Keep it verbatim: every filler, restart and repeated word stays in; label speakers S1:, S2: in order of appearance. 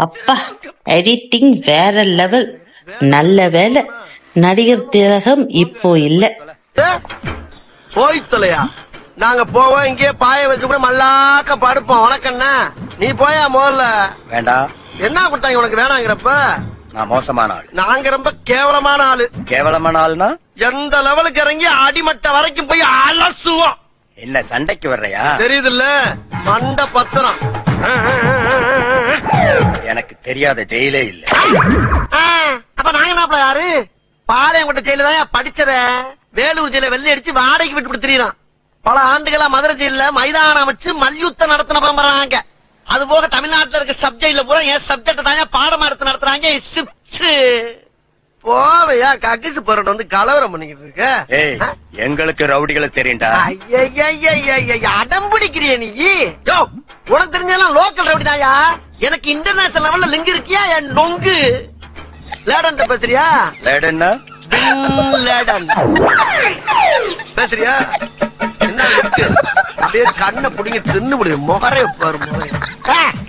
S1: அப்பா எடிட்டிங் வேற லெவல். நல்ல வேலை நடிகர் திலகம் இப்போ இல்ல.
S2: போய்த்தலையா நாங்க போவோம், இங்கே பாய வச்சு கூட மல்லாக்க படுப்போம். உனக்கண்ணா நீ போயா முதல்ல.
S3: வேண்டாம்.
S2: என்ன கொடுத்தாங்க உனக்கு வேணாங்கிறப்ப?
S3: நான் மோசமான ஆள்.
S2: நாங்க ரொம்ப கேவலமான ஆளு.
S3: கேவலமான ஆளுனா
S2: எந்த லெவலுக்கு இறங்கி அடிமட்ட வரைக்கும் போய் அலசுவோம்.
S3: என்ன சண்டைக்கு வர்றையா?
S2: தெரியுது இல்ல மண்ட பத்திரம்.
S3: எனக்கு தெரியாத ஜெயிலே இல்ல.
S2: அப்ப நாங்க என்ன யாரு? பாளையங்கோட்டை ஜெயில தான் படிச்சத. வேலூர் ஜெயில வெள்ளை அடிச்சு வாடகைக்கு விட்டு திரியறான். பல ஆண்டுகளா மதுரை ஜெயில மைதானம் வச்சு மல்யுத்தம் நடத்தின பரம்பராங்க. அது போக தமிழ்நாட்டுல இருக்க சப்ஜெக்ட்ல பூரா என் சப்ஜெக்ட் தாங்க பாடமா எடுத்து நடத்துறாங்க. போவையா கக்கிசு போராட்டம் வந்து கலவரம் பண்ணிக்கிட்டு இருக்க.
S3: எங்களுக்கு ரவுடிகளை தெரியும்டா.
S2: அடம் பிடிக்கிறிய நீ? யோ உனக்கு தெரிஞ்செல்லாம் லோக்கல் ரவுடி தாயா. எனக்கு இன்டர்நேஷனல் லெவல்ல லிங்க் இருக்கியா? என் நொங்கு லேடன் பேசுறியா?
S3: லேடன்னா
S2: லேடன் பேசுறியா? என்ன அப்படியே கண்ணை புடிங்க தின்னு முடியும். முகரே பாரு முகரே.